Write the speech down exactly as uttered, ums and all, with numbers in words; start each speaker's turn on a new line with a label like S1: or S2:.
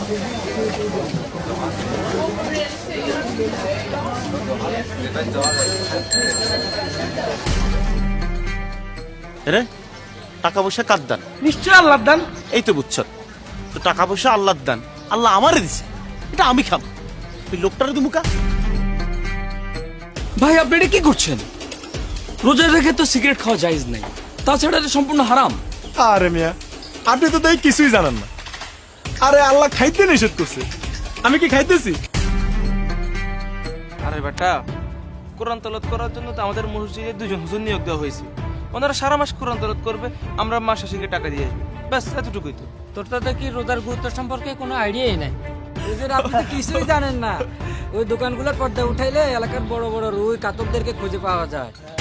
S1: রে টাকা পয়সা কার দান?
S2: নিশ্চয় আল্লাহর দান।
S1: এই তো বুঝছ, তো টাকা পয়সা আল্লাহর দান, আল্লাহ আমারে দিছে, এটা আমি খাম, তুই লোকটারে দু মুখা।
S2: ভাই আপনি এটা কি করছেন? রোজা রেখে তো সিগারেট খাওয়া জায়েজ নাই, তাছাড়া এটা সম্পূর্ণ হারাম।
S3: আরে মিয়া, আপনি তো তাই কিছুই জানেন না। আরে আল্লাহ খাইতে নিষেধ করছে, আমি কি খাইতেছি?
S4: আরে বেটা, কোরআন তেলাওয়াত করার জন্য তো আমাদের মসজিদে দুজন হুজুর নিয়োগ দেওয়া হয়েছে। ওনারা সারা মাস কোরআন তেলাওয়াত করবে, আমরা মাস শেষে টাকা দিয়ে আসবো, ব্যাস এতটুকুই তো।
S5: তোর তো দেখি রোজার গুরুত্ব সম্পর্কে কোনো আইডিয়াই নাই। হুজুর আপনি তো কিছুই জানেন না। ওই দোকানগুলোর পর্দা উঠাইলে এলাকার বড় বড় রুই কাতকদেরকে খুঁজে পাওয়া যায়।